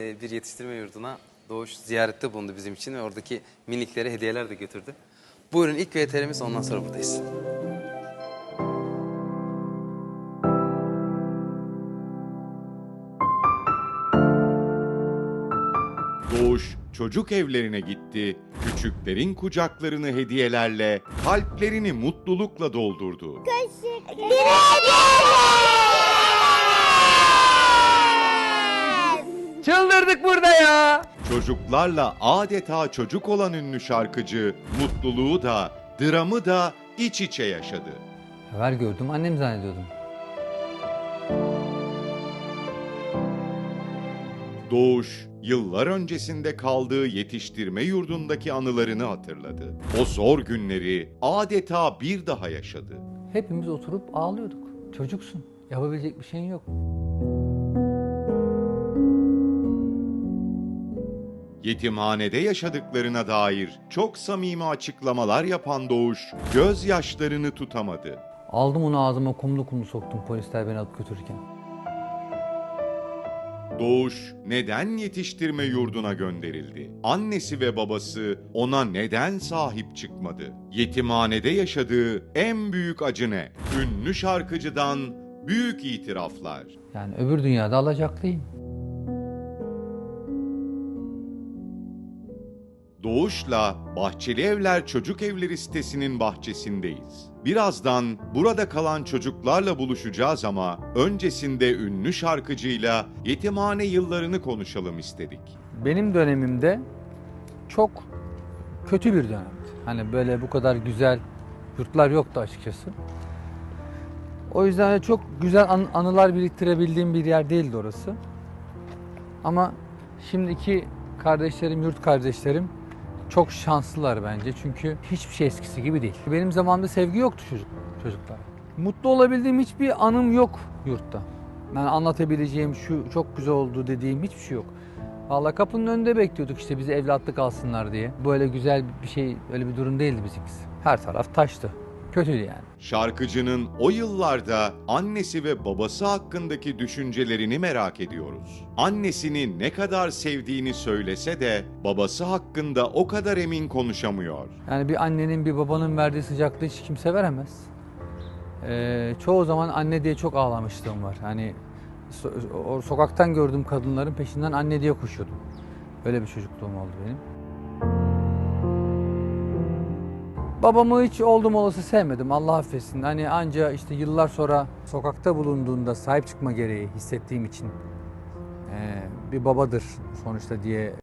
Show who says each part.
Speaker 1: Bir yetiştirme yurduna Doğuş ziyarette bulundu bizim için ve oradaki miniklere hediyeler de götürdü. Buyurun ilk VTR'miz, ondan sonra buradayız.
Speaker 2: Doğuş çocuk evlerine gitti, küçüklerin kucaklarını hediyelerle, kalplerini mutlulukla doldurdu.
Speaker 3: Çıldırdık burada ya.
Speaker 2: Çocuklarla adeta çocuk olan ünlü şarkıcı, mutluluğu da, dramı da iç içe yaşadı.
Speaker 3: Haber gördüm, annem zannediyordum.
Speaker 2: Doğuş, yıllar öncesinde kaldığı yetiştirme yurdundaki anılarını hatırladı. O zor günleri adeta bir daha yaşadı.
Speaker 3: Hepimiz oturup ağlıyorduk. Çocuksun, yapabilecek bir şeyin yok.
Speaker 2: Yetimhanede yaşadıklarına dair çok samimi açıklamalar yapan Doğuş, gözyaşlarını tutamadı.
Speaker 3: Aldım onu ağzıma, kumlu kumlu soktum polisler beni alıp götürürken.
Speaker 2: Doğuş neden yetiştirme yurduna gönderildi? Annesi ve babası ona neden sahip çıkmadı? Yetimhanede yaşadığı en büyük acı ne? Ünlü şarkıcıdan büyük itiraflar.
Speaker 3: Yani öbür dünyada alacaklıyım.
Speaker 2: Doğuş'la Bahçeli Evler Çocuk Evleri sitesinin bahçesindeyiz. Birazdan burada kalan çocuklarla buluşacağız ama öncesinde ünlü şarkıcıyla yetimhane yıllarını konuşalım istedik.
Speaker 3: Benim dönemimde çok kötü bir dönemdi. Hani böyle bu kadar güzel yurtlar yoktu açıkçası. O yüzden de çok güzel anılar biriktirebildiğim bir yer değildi orası. Ama şimdiki kardeşlerim, yurt kardeşlerim çok şanslılar bence. Çünkü hiçbir şey eskisi gibi değil. Benim zamanımda sevgi yoktu çocuklar. Mutlu olabildiğim hiçbir anım yok yurtta. Yani anlatabileceğim şu çok güzel oldu dediğim hiçbir şey yok. Vallahi kapının önünde bekliyorduk işte bizi evlatlık alsınlar diye. Böyle güzel bir şey, öyle bir durum değildi bizimkisi. Her taraf taştı. Kötüydü yani.
Speaker 2: Şarkıcının o yıllarda annesi ve babası hakkındaki düşüncelerini merak ediyoruz. Annesini ne kadar sevdiğini söylese de babası hakkında o kadar emin konuşamıyor.
Speaker 3: Yani bir annenin bir babanın verdiği sıcaklığı hiç kimse veremez. Çoğu zaman anne diye çok ağlamışlığım var. Hani sokaktan gördüğüm kadınların peşinden anne diye koşuyordum. Öyle bir çocukluğum oldu benim. Babamı hiç oldum olası sevmedim, Allah affetsin. Hani anca işte yıllar sonra sokakta bulunduğunda sahip çıkma gereği hissettiğim için bir babadır sonuçta diye